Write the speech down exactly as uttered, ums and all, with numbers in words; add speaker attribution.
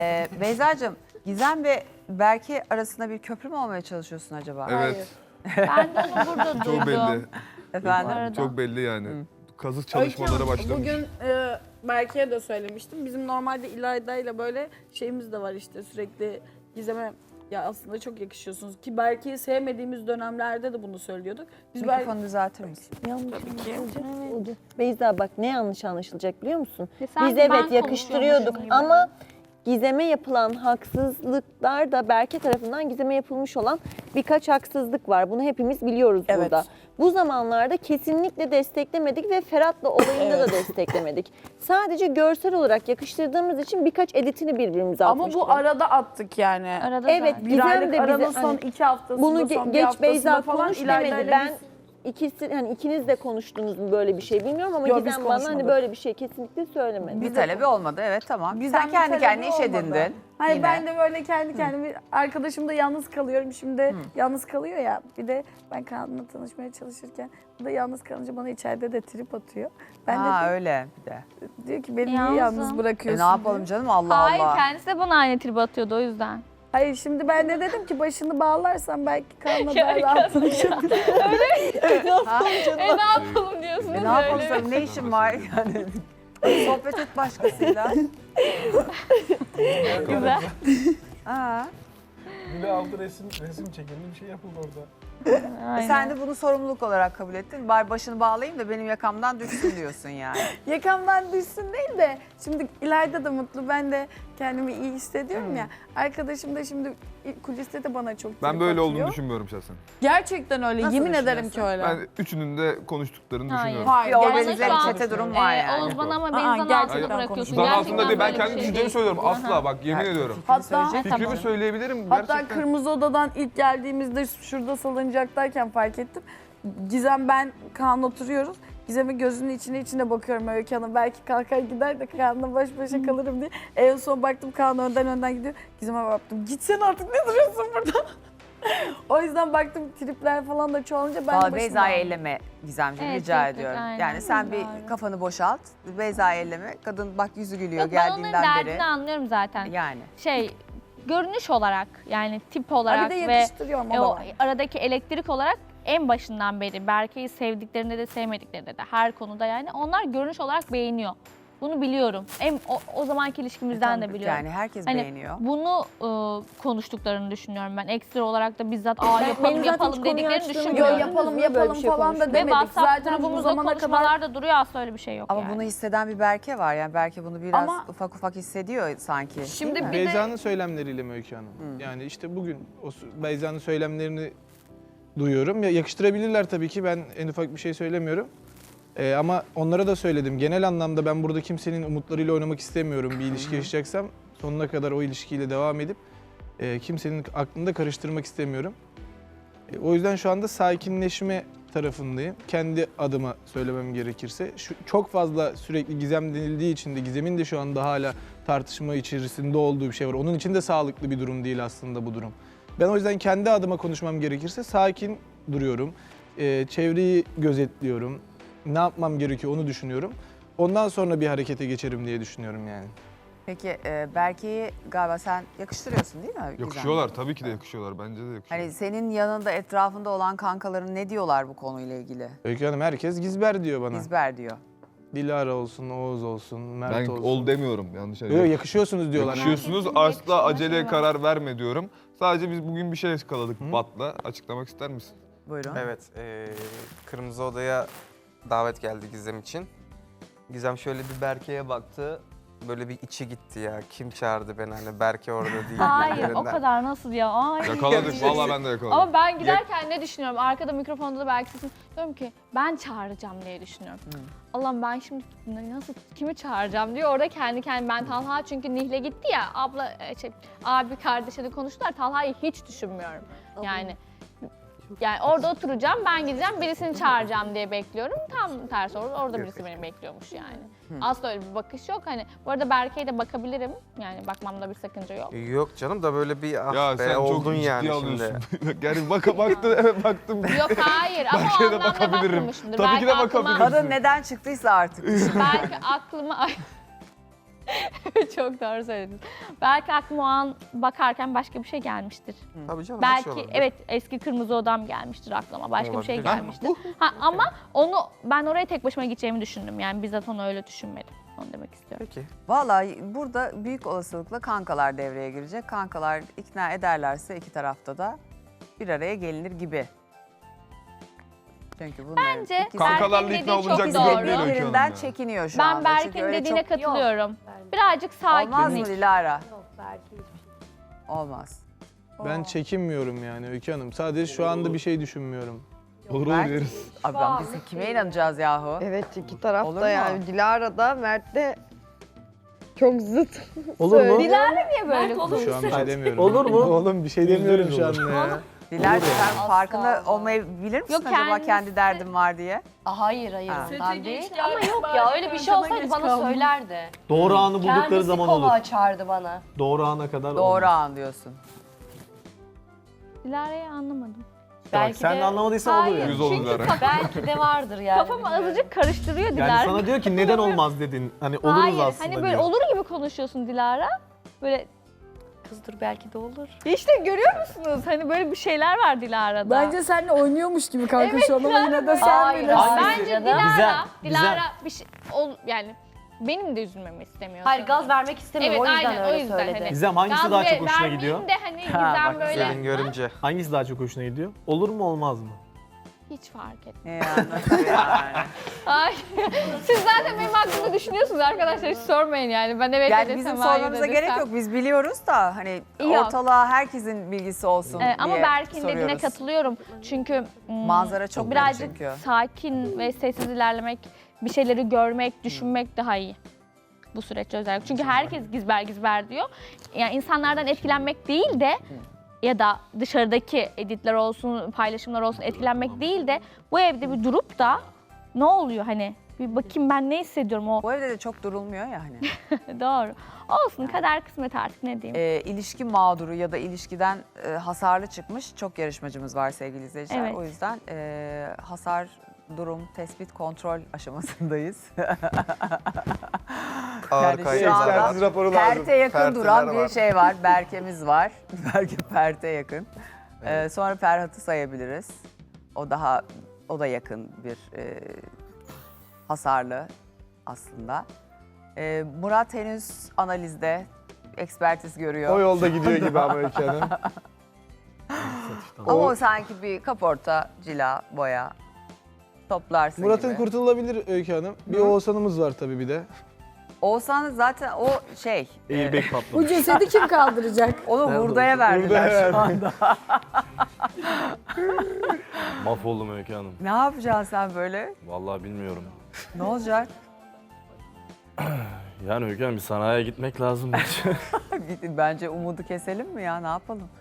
Speaker 1: Ee, Beyza'cığım, Gizem ve Berke arasında bir köprü mü olmaya çalışıyorsun acaba?
Speaker 2: Evet.
Speaker 3: Ben de onu burada duydum.
Speaker 2: Çok belli.
Speaker 1: Efendim?
Speaker 3: Arada.
Speaker 2: Çok belli yani.
Speaker 1: Hı.
Speaker 2: Kazı çalışmaları başlamış.
Speaker 4: Bugün e, Berke'ye de söylemiştim. Bizim normalde İlayda ile böyle şeyimiz de var işte sürekli Gizem'e ya aslında çok yakışıyorsunuz ki Berke'yi sevmediğimiz dönemlerde de bunu söylüyorduk. Biz Berke...
Speaker 1: Mikrofonu düzeltir misin?
Speaker 5: Yanlış
Speaker 4: Tabii ki.
Speaker 5: anlaşılacak. Beyza bak ne yanlış anlaşılacak biliyor musun?
Speaker 3: E sanki
Speaker 5: Biz
Speaker 3: ben
Speaker 5: evet yakıştırıyorduk
Speaker 3: konuşuyormuşum gibi.
Speaker 5: ama Gizem'e yapılan haksızlıklar da Berke tarafından Gizem'e yapılmış olan birkaç haksızlık var. Bunu hepimiz biliyoruz
Speaker 4: Evet.
Speaker 5: burada. Bu zamanlarda kesinlikle desteklemedik ve Ferhat'la olayında da desteklemedik. Sadece görsel olarak yakıştırdığımız için birkaç editini birbirimize
Speaker 4: Ama
Speaker 5: atmıştık.
Speaker 4: bu arada attık yani.
Speaker 3: Arada
Speaker 5: Evet,
Speaker 3: zaten.
Speaker 4: Bir
Speaker 5: Gizem
Speaker 4: aylık
Speaker 5: de bize
Speaker 4: aranın son
Speaker 5: hani
Speaker 4: iki haftasında,
Speaker 5: Bunu ge-
Speaker 4: son bir
Speaker 5: geç
Speaker 4: haftasında
Speaker 5: Beyza
Speaker 4: falan
Speaker 5: konuş
Speaker 4: İlayda
Speaker 5: demedi.
Speaker 4: ile
Speaker 5: Ben
Speaker 4: biz-
Speaker 5: ikisi hani ikiniz de konuştunuz mu böyle bir şey bilmiyorum ama
Speaker 4: Yok, biz
Speaker 5: Gizem bana hani
Speaker 4: konuşmadık.
Speaker 5: böyle bir şey kesinlikle söylemedi.
Speaker 1: Bir talebi olmadı, evet tamam.
Speaker 4: Bizden
Speaker 1: Sen
Speaker 4: bir
Speaker 1: kendi
Speaker 4: talebi
Speaker 1: kendine iş
Speaker 4: olmadı.
Speaker 1: edindin.
Speaker 4: Hayır
Speaker 1: yine.
Speaker 4: ben de böyle kendi kendime arkadaşımda yalnız kalıyorum. Şimdi yalnız kalıyor ya. Bir de ben Kaan'la tanışmaya çalışırken bu da yalnız kalınca bana içeride de trip atıyor. Ben
Speaker 1: Ha
Speaker 4: de
Speaker 1: öyle bir de.
Speaker 4: diyor ki beni niye
Speaker 3: Yalnızım.
Speaker 4: yalnız
Speaker 1: E
Speaker 4: bırakıyorsun?
Speaker 1: ne yapalım
Speaker 4: diyor.
Speaker 1: canım Allah
Speaker 3: Hayır
Speaker 1: Allah.
Speaker 3: kendisi de bana aynı tribe atıyordu o yüzden.
Speaker 4: Hayır şimdi ben de dedim ki başını bağlarsan belki Kaan'la daha rahatlaşabilir.
Speaker 3: E ne yapalım diyorsunuz
Speaker 1: E ne yapalım
Speaker 3: böyle.
Speaker 1: canım, ne işin var yani? Sohbet et başkasıyla.
Speaker 3: Güzel.
Speaker 1: Ha.
Speaker 6: Bir de altı resim, resim çekildi bir şey yapıldı orada.
Speaker 1: E
Speaker 3: Aynen.
Speaker 1: sen de bunu sorumluluk olarak kabul ettin. Bari başını bağlayayım da benim yakamdan düşsün diyorsun yani.
Speaker 4: Yakamdan düşsün değil de şimdi İlayda da mutlu ben de kendimi iyi hissediyorum ya. Arkadaşım da şimdi kuliste de bana çok
Speaker 2: Ben
Speaker 4: trip
Speaker 2: böyle
Speaker 4: atıyor.
Speaker 2: olduğunu düşünmüyorum şahsen.
Speaker 4: Gerçekten öyle.
Speaker 1: Nasıl
Speaker 4: Yemin ederim ki
Speaker 1: düşünüyorsun?
Speaker 4: öyle.
Speaker 2: Ben üçünün de konuştuklarını
Speaker 3: Hayır.
Speaker 2: düşünüyorum.
Speaker 4: Hayır.
Speaker 1: Bir
Speaker 4: gerçekten
Speaker 1: organize
Speaker 3: şu
Speaker 1: bir
Speaker 3: an-
Speaker 1: çete durum var
Speaker 3: Ee,
Speaker 1: yani.
Speaker 3: Oğuz bana ama
Speaker 4: Aa,
Speaker 3: beni zan
Speaker 4: gerçekten
Speaker 3: altında bırakıyorsun.
Speaker 4: konuşuyorsun.
Speaker 2: Zan
Speaker 3: Gerçekten
Speaker 2: altında değil, ben
Speaker 3: böyle bir
Speaker 2: kendi
Speaker 3: şey
Speaker 2: düşüncemi
Speaker 3: değil.
Speaker 2: söylüyorum. Asla
Speaker 3: Aha.
Speaker 2: bak yemin ediyorum.
Speaker 4: Hatta
Speaker 2: Fikrimi
Speaker 3: Tamam.
Speaker 2: söyleyebilirim
Speaker 4: Hatta
Speaker 2: gerçekten.
Speaker 4: Kırmızı Oda'dan ilk geldiğimizde şurada salıncaktayken fark ettim. Gizem ben Kaan oturuyoruz. Gizem'in gözünün içine içine bakıyorum Öykü Hanım. Belki kalkar gider de Kaan'la baş başa kalırım diye. En son baktım Kaan önden önden gidiyor. Gizem'e baktım. Gitsen artık ne duruyorsun burada? O yüzden baktım tripler falan da çoğalınca ben de
Speaker 1: Valla
Speaker 4: başıma
Speaker 1: Beyza'yı
Speaker 4: aldım.
Speaker 1: elleme Gizemciğim,
Speaker 3: Evet,
Speaker 1: rica
Speaker 3: tek tek,
Speaker 1: ediyorum.
Speaker 3: aynen.
Speaker 1: Yani sen bir
Speaker 3: Doğru.
Speaker 1: kafanı boşalt, Beyza'yı elleme. Kadın bak yüzü gülüyor
Speaker 3: Yok ben onların
Speaker 1: geldiğinden
Speaker 3: derdini
Speaker 1: beri.
Speaker 3: anlıyorum zaten.
Speaker 1: Yani.
Speaker 3: Şey görünüş olarak yani tip
Speaker 4: Ha,
Speaker 3: olarak
Speaker 4: bir de
Speaker 3: ve
Speaker 4: yakıştırıyor ama
Speaker 3: e,
Speaker 4: o da
Speaker 3: o
Speaker 4: var.
Speaker 3: aradaki elektrik olarak en başından beri Berke'yi sevdiklerinde de sevmediklerinde de her konuda yani onlar görünüş olarak beğeniyor. Bunu biliyorum. En o, o zamanki ilişkimizden
Speaker 1: Tamam,
Speaker 3: de biliyorum.
Speaker 1: Yani herkes
Speaker 3: Hani
Speaker 1: beğeniyor.
Speaker 3: bunu e, konuştuklarını düşünüyorum ben. Ekstra olarak da bizzat aa
Speaker 5: Ben-
Speaker 3: yapalım
Speaker 5: benim zaten
Speaker 3: yapalım
Speaker 5: hiç konuyu
Speaker 3: dediklerini
Speaker 5: açtığımı
Speaker 4: Yo,
Speaker 3: düşünmüyorum.
Speaker 5: görmedim.
Speaker 4: yapalım
Speaker 5: Böyle bir
Speaker 4: yapalım
Speaker 5: şey
Speaker 4: falan da
Speaker 5: konuştuk.
Speaker 3: Ve
Speaker 4: demedik.
Speaker 3: WhatsApp
Speaker 4: Zaten bu
Speaker 3: grubumuzda
Speaker 4: zamana kadar
Speaker 3: konuşmalarda duruyor asla öyle bir şey yok
Speaker 1: Ama
Speaker 3: yani.
Speaker 1: bunu hisseden bir Berke var yani. Berke bunu biraz
Speaker 4: Ama-
Speaker 1: ufak ufak hissediyor sanki.
Speaker 4: Şimdi
Speaker 1: değil mi?
Speaker 4: bir de
Speaker 6: Beyza'nın söylemleriyle mi Öykü Hanım? Yani işte bugün o sü- Beyza'nın söylemlerini duyuyorum. Ya yakıştırabilirler tabii ki, ben en ufak bir şey söylemiyorum. Ee, ama onlara da söyledim. Genel anlamda ben burada kimsenin umutlarıyla oynamak istemiyorum. Bir ilişki yaşayacaksam sonuna kadar o ilişkiyle devam edip e, kimsenin aklında karıştırmak istemiyorum. E, o yüzden şu anda sakinleşme tarafındayım. Kendi adıma söylemem gerekirse. Şu, çok fazla sürekli Gizem denildiği için de Gizem'in de şu anda hala tartışma içerisinde olduğu bir şey var. Onun için de sağlıklı bir durum değil aslında bu durum. Ben o yüzden kendi adıma konuşmam gerekirse sakin duruyorum. E, çevreyi gözetliyorum. Ne yapmam gerekiyor onu düşünüyorum. Ondan sonra bir harekete geçerim diye düşünüyorum yani.
Speaker 1: Peki e, Berke'yi galiba sen yakıştırıyorsun değil mi? Gizem?
Speaker 2: Yakışıyorlar tabii ki de yakışıyorlar. Bence de yakışıyorlar.
Speaker 1: Hani senin yanında etrafında olan kankaların ne diyorlar bu konuyla ilgili?
Speaker 6: Öykü Hanım herkes Gizber diyor bana.
Speaker 1: İzber diyor.
Speaker 6: Dilara olsun, Oğuz olsun, Mert
Speaker 2: ben
Speaker 6: olsun.
Speaker 2: ol demiyorum yanlış
Speaker 6: Yok,
Speaker 2: anlıyorum.
Speaker 6: yakışıyorsunuz diyorlar.
Speaker 2: Yakışıyorsunuz,
Speaker 3: Herkesin
Speaker 2: asla
Speaker 3: yakıştırma
Speaker 2: aceleye
Speaker 3: şeyi var.
Speaker 2: karar verme diyorum. Sadece biz bugün bir şey yakaladık Bat'la. Açıklamak ister misin?
Speaker 1: Buyurun.
Speaker 7: Evet, eee, Kırmızı Oda'ya davet geldi Gizem için. Gizem şöyle bir Berke'ye baktı, böyle bir içi gitti ya. Kim çağırdı beni, hani Berke orada değil.
Speaker 3: Hayır o
Speaker 7: gibilerinden.
Speaker 3: kadar nasıl ya? Ay.
Speaker 2: Yakaladık, vallahi ben de yakaladım.
Speaker 3: Ama ben giderken ne düşünüyorum? Arkada mikrofonda da belki sesim diyorum ki ben çağıracağım diye düşünüyorum. Allah'ım ben şimdi nasıl kimi çağıracağım diyor. Orada kendi kendime ben Talha çünkü Nihle gitti ya abla e, şey, abi kardeşe de konuştular. Talha'yı hiç düşünmüyorum. Yani yani orada oturacağım, ben gideceğim, birisini çağıracağım diye bekliyorum. Tam tersi orada, orada birisi beni bekliyormuş yani. Asla öyle bir bakış yok. Hani bu arada Berke'ye de bakabilirim. Yani bakmamda bir sakınca yok.
Speaker 7: Yok canım da böyle bir ah
Speaker 2: Ya
Speaker 7: be
Speaker 2: sen çok
Speaker 7: oldun
Speaker 2: ciddi
Speaker 7: yani
Speaker 2: alıyorsun.
Speaker 7: şimdi.
Speaker 2: yani baka baktı, evet baktım.
Speaker 3: Yok hayır ama
Speaker 2: Berke'ye
Speaker 3: o
Speaker 2: de
Speaker 3: anlamda
Speaker 2: bakabilirim.
Speaker 3: bakmamışımdır.
Speaker 2: Tabii ki de
Speaker 3: Belki aklıma-
Speaker 2: bakabilirsin.
Speaker 1: Kadın neden çıktıysa artık.
Speaker 3: Belki aklıma... Ay. Çok doğru söylediniz. Belki aklıma o an bakarken başka bir şey gelmiştir.
Speaker 7: Tabii canım. her şey
Speaker 3: Belki
Speaker 7: olabilir.
Speaker 3: evet eski kırmızı odam gelmiştir aklıma. Başka bir şey
Speaker 7: Olabilir.
Speaker 3: gelmiştir. Ha, ama onu ben oraya tek başıma gideceğimi düşündüm. Yani bizzat onu öyle düşünmedim. Onu demek istiyorum.
Speaker 7: Peki.
Speaker 1: Vallahi burada büyük olasılıkla kankalar devreye girecek. Kankalar ikna ederlerse iki tarafta da bir araya gelinir gibi.
Speaker 3: Çünkü bunların
Speaker 1: Bence
Speaker 3: ikisi-
Speaker 2: Kankalarla
Speaker 3: Berk'in
Speaker 2: ikna
Speaker 3: dediği
Speaker 2: olunacak
Speaker 3: çok
Speaker 2: bir durum
Speaker 3: doğru.
Speaker 2: değil Öykü Hanım
Speaker 1: birbirinden
Speaker 2: ya.
Speaker 1: çekiniyor şu
Speaker 3: Ben
Speaker 1: anda. Çünkü
Speaker 3: Berk'in
Speaker 1: öyle
Speaker 3: dediğine
Speaker 1: çok-
Speaker 3: katılıyorum. Birazcık
Speaker 1: Olmaz mı
Speaker 3: sakinlik.
Speaker 1: Dilara?
Speaker 8: Yok belki hiçbir şey.
Speaker 1: Olmaz.
Speaker 6: Ben çekinmiyorum yani Öykü Hanım. Sadece şu anda bir şey düşünmüyorum.
Speaker 2: Olur
Speaker 1: Berk-
Speaker 2: olur deriz.
Speaker 1: Abi ben biz kime inanacağız yahu?
Speaker 9: Evet iki taraf
Speaker 1: Olur
Speaker 9: da
Speaker 1: mu?
Speaker 9: yani Dilara da Mert de çok zıt.
Speaker 10: Olur mu?
Speaker 3: Dilara niye böyle?
Speaker 6: Şu an bir şey demiyorum.
Speaker 10: Olur mu?
Speaker 6: Oğlum bir şey demiyorum şu an ya.
Speaker 1: Dilara sen farkında olmayabilir misin
Speaker 3: Yok,
Speaker 1: acaba
Speaker 3: kendisi-
Speaker 1: kendi derdim var diye?
Speaker 8: Aa, hayır hayır
Speaker 1: Ha.
Speaker 8: ondan değil. Ama yok ya öyle bir şey olsaydı bana söylerdi.
Speaker 10: Doğru anı buldukları
Speaker 8: Kendisi
Speaker 10: zaman
Speaker 8: konu
Speaker 10: olur.
Speaker 8: açardı bana.
Speaker 10: Doğru ana kadar
Speaker 1: Doğru
Speaker 10: olmaz.
Speaker 1: an diyorsun.
Speaker 3: Dilara'yı anlamadım.
Speaker 10: Bak,
Speaker 8: Belki
Speaker 10: sen
Speaker 8: de-
Speaker 10: de anlamadıysan olur
Speaker 3: Hayır,
Speaker 10: yani.
Speaker 2: Yüz olur
Speaker 3: çünkü
Speaker 2: Dilara.
Speaker 3: kafam,
Speaker 8: Belki de vardır yani.
Speaker 3: kafamı
Speaker 8: bilmiyorum.
Speaker 3: azıcık karıştırıyor Dilara.
Speaker 10: Yani sana diyor ki neden olmaz dedin. Hani oluruz
Speaker 3: Hayır,
Speaker 10: aslında
Speaker 3: hani böyle
Speaker 10: diyor.
Speaker 3: olur gibi konuşuyorsun Dilara. Böyle
Speaker 8: Kız dur belki de olur.
Speaker 3: işte görüyor musunuz? Hani böyle bir şeyler var Dilara'da.
Speaker 4: Bence seninle oynuyormuş gibi kanka
Speaker 3: Evet,
Speaker 4: şu an ama yine de sen
Speaker 8: Hayır,
Speaker 4: bilirsin.
Speaker 8: hayır.
Speaker 3: Bence
Speaker 8: Canım.
Speaker 3: Dilara,
Speaker 10: Güzel,
Speaker 3: Dilara bir şey ol yani benim de üzülmemi istemiyor.
Speaker 8: Hayır gaz vermek istemiyor
Speaker 3: Evet,
Speaker 8: o yüzden
Speaker 3: aynen, o
Speaker 8: öyle
Speaker 3: yüzden
Speaker 8: söyledi.
Speaker 3: hani.
Speaker 10: Gizem hangisi
Speaker 3: Gaz
Speaker 10: daha
Speaker 3: ve-
Speaker 10: çok hoşuna
Speaker 3: vermeyeyim
Speaker 10: gidiyor?
Speaker 3: de hani
Speaker 1: Ha,
Speaker 3: Gizem
Speaker 1: bak,
Speaker 3: böyle
Speaker 7: Gelin görünce.
Speaker 10: Hangisi daha çok hoşuna gidiyor? Olur mu olmaz mı?
Speaker 3: hiç fark etmez.
Speaker 1: Ne yani, nasıl yani?
Speaker 3: Ay, siz zaten benim hakkımda düşünüyorsunuz arkadaşlar, hiç sormayın yani. Ben evet
Speaker 1: Yani
Speaker 3: desem,
Speaker 1: bizim
Speaker 3: hayır
Speaker 1: sormamıza
Speaker 3: desem.
Speaker 1: gerek yok. Biz biliyoruz da hani
Speaker 3: Yok.
Speaker 1: ortalığa herkesin bilgisi olsun
Speaker 3: Ee, ama
Speaker 1: diye
Speaker 3: Berk'in dediğine
Speaker 1: soruyoruz.
Speaker 3: katılıyorum. Çünkü mm,
Speaker 1: Manzara çok net
Speaker 3: birazcık
Speaker 1: çünkü.
Speaker 3: sakin ve sessiz ilerlemek, bir şeyleri görmek, düşünmek daha iyi. Bu süreçte özellikle. Çünkü herkes gizber gizber diyor. Yani insanlardan etkilenmek değil de ya da dışarıdaki editler olsun, paylaşımlar olsun etkilenmek değil de bu evde bir durup da ne oluyor hani bir bakayım ben ne hissediyorum o
Speaker 1: Bu evde de çok durulmuyor ya hani.
Speaker 3: doğru. Olsun kader kısmet artık ne diyeyim.
Speaker 1: Ee, ilişki mağduru ya da ilişkiden e, hasarlı çıkmış çok yarışmacımız var sevgili izleyiciler.
Speaker 3: Evet.
Speaker 1: O yüzden e, hasar, durum, tespit, kontrol aşamasındayız.
Speaker 7: Ağır
Speaker 1: Yani şu
Speaker 7: kayıtlar
Speaker 1: anda-
Speaker 7: var.
Speaker 6: Ekspertiz raporu lazım.
Speaker 1: Perte yakın
Speaker 7: Perteler
Speaker 1: duran bir
Speaker 7: var.
Speaker 1: şey var. Berke'miz var. Berke Perte yakın. Ee, sonra Ferhat'ı sayabiliriz. O daha o da yakın bir e, hasarlı aslında. Ee, Murat henüz analizde ekspertiz görüyor.
Speaker 6: O yolda gidiyor gibi ama Öykü Hanım.
Speaker 1: Ama o sanki bir kaporta, cila, boya toplarsın
Speaker 6: Murat'ın
Speaker 1: gibi.
Speaker 6: kurtulabilir Öykü Hanım. Bir Oğuzhan'ımız var tabii bir de.
Speaker 1: Oğuzhan zaten o şey, e,
Speaker 10: Airbag
Speaker 4: Bu
Speaker 10: patlamış.
Speaker 4: cesedi kim kaldıracak?
Speaker 1: onu
Speaker 10: Nerede
Speaker 1: hurdaya
Speaker 10: olsun?
Speaker 1: verdiler
Speaker 6: Hurdaya
Speaker 1: şu anda.
Speaker 11: Mahvoldum Öykü Hanım.
Speaker 1: Ne yapacaksın sen böyle?
Speaker 11: Vallahi bilmiyorum.
Speaker 1: Ne olacak?
Speaker 11: Yani Öykü Hanım bir sanayiye gitmek lazım.
Speaker 1: Bence umudu keselim mi ya? Ne yapalım?